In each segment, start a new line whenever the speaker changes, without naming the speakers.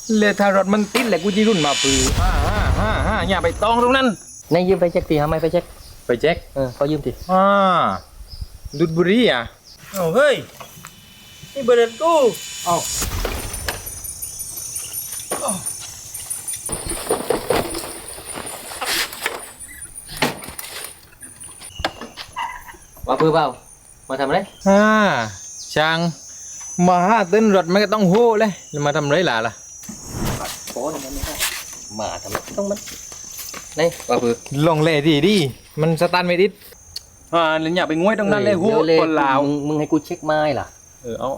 เลยถ้ารถมันติดแหละกูจะรุ่นมาปืออย่าไปตองตรงนั้น
นายยืมไปเช็คทีทำไมไปเช็ค
ไปเช็ค
เขายืมที
ดุดบุรีอ่ะ
เฮ้ยนี่เบอร์เดนกู
ว่าเพื่อเปล่ามาทำอะไร
ช่างมาหาเต้นรถมันก็ต้องโห่เลยมาทำไรล่ะ
โอ้ยมันไม่ได้มาทำไมต้องมันนี่ว่าเพื่อ
ลงเลยดิมันสตาร์ทไม่ติดเลยอย่าไปง้วยตรงนั้นเลยโห่คนลาว
มึงให้กูเช็คไม้ล่ะ
เอา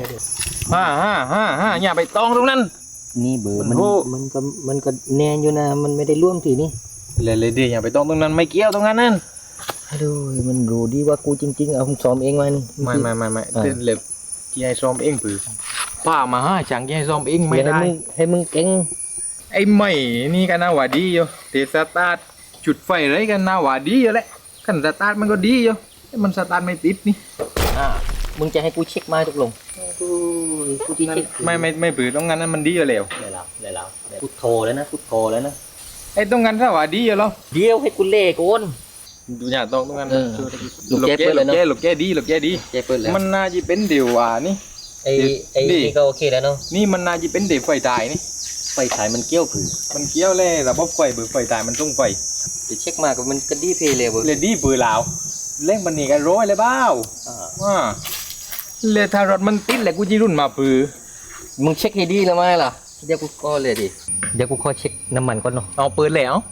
อย่าไปตองตรงนั้น
นี่เบอร์มันก็แนนอยู่นะมันไม่ได้ร่วมทีนี่
เลยดิอย่าไปตองตรงนั้นไม่เกี่ยวตรงนั้นนั่น
ดูมันรู้ดีว่ากูจริงๆเอาซ้อมเองมัน
ไม่เต้นเล็บที่ให้ซ้อมเองปือป้ามาช่างที่ให้ซ้อมเองไม่ได้
ให้มึงเก่ง
ไอ้ไม่นี่กันน่าว่าดีอยู่เตะสตาร์ทจุดไฟอะไรกันน่าว่าดีอยู่แหละขันสตาร์ทมันก็ดีอยู่มันสตาร์ทไม่ติดนี่
มึงจะให้กูเช็คไม้ตกลงกูที่เช็ค
ไม่ปือตรงนั้นมันดีอยู่แล้ว
กูโทรแล้วนะ
ไอ้ตรงนั้นถ้าว่าดีอยู่แล้ว
เดี๋ยวให้กูเล่ก่อน
ดูอย่างตรงนั้น
ลูกแก้เปิดเลยเนาะ
ลูกแก้ดีมันน่าจะเป็นเดี๋ยวนี่
ไอ้นี่ก็โอเคแล้วเนาะ
นี่มันน่าจะเป็นเดี๋ยวไฟตายนี่
ไฟฉายมันเกี้ยวผือ
มันเกี้ยวเลยระบบไฟเบิกไฟตายมันต้องไฟ
จะเช็คมากมันก็ดีเพย์เลย
ดีปือลาวเล่งมันหนีกันร้อยเลยเบ้าเลยถ้ารถมันติดแหละกูจะรุ่นมาปือ
มึงเช็คให้ดีแล้วไหมล่ะเดี๋ยวกูก็เลยดิเดี๋ยวกูขอเช็คน้ำมันก่อนเนาะ
เอาปืนแล้ว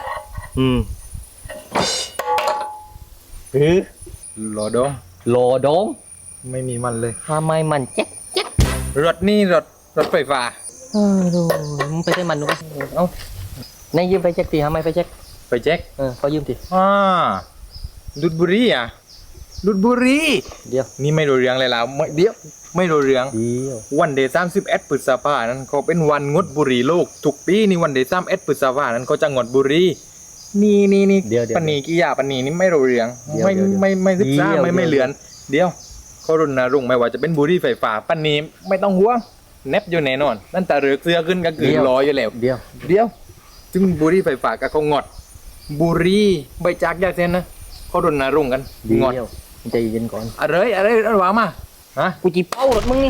รอดงไม่มีมันเลย
ทำไมมันเจ๊ก
รถนี่รถไฟฟ้า
ดูมึงไปได้มันดูเอานายยืมไปเช็คทีทำไมไปเช็คเขายืมที
ดุดบุรีอ่ะดุดบุรี
เดี๋ยว
นี่ไม่รู้เรื่องเลยล่ะไม่รู้เรื่องวันเดย์31 พฤษภาคมนั้นเขาเป็นวันงดบุหรี่โลกทุกปีนี่วันเดย์31 พฤษภาคมนั้นเขาจะงดบุหรี่นี่
เดี๋ยว
ปนีกิยาปนีนี่ไม่รู้เรื่องไม่ศึกษาไม่เลือนเดี๋ยวเขารณรงค์ไม่ว่าจะเป็นบุหรี่ไฟฟ้าปนีไม่ต้องห่วงเน็บอยู่แน่นอนนั่นแต่เรือเสื้อขึ้นก็คือลอยอยู่แล้ว
เดี๋ยว
จึงบุหรี่ไฟฟ้าก็เขางดบุหรี่ใบจากยาเส้นนะเขารณรงค์กันงด
ใจเย็นก่อน
อะไรวะมา
กูจีเป้ารถมึงนี่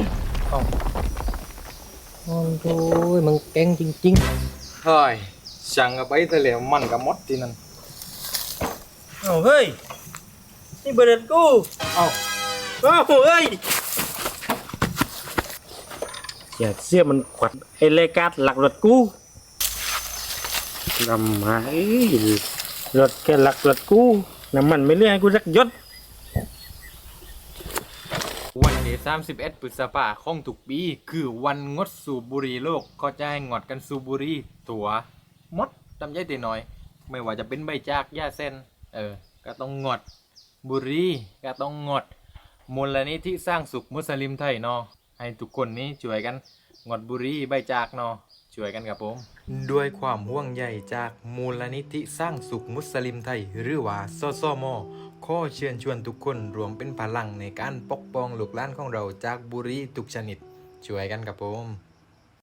โอ้ยมึงเก่งจริง
ๆเฮ้ยช่างกับไปทะเลมันกับมดที่นั่น
เฮ้ยนี่เบอร์เดนกูเฮ้ยอย่าเสียมันขวัญไอ้เลกัดหลักรถกูทำไมรถแค่หลักรถกูน้ำมันไม่เลื่อนให้กูสักยศ
วันที่31 พฤษภาคมของทุกปีคือวันงดสูบบุหรี่โลกก็จะให้งดกันสูบบุหรี่ตัวมดจำใจตีหน่อยไม่ว่าจะเป็นใบจากหญ้าเส้นก็ต้องงดบุหรี่ก็ต้องงดมูลนิธิสร้างสุขมุสลิมไทยเนาะให้ทุกคนนี้ช่วยกันงดบุหรี่ใบจากเนาะช่วยกันครับผมด้วยความห่วงใยจากมูลนิธิสร้างสุขมุสลิมไทยหรือว่าสสม.ขอเชิญชวนทุกคนรวมเป็นพลังในการปกป้องลูกหลานของเราจากบุหรี่ทุกชนิดช่วยกันครับผม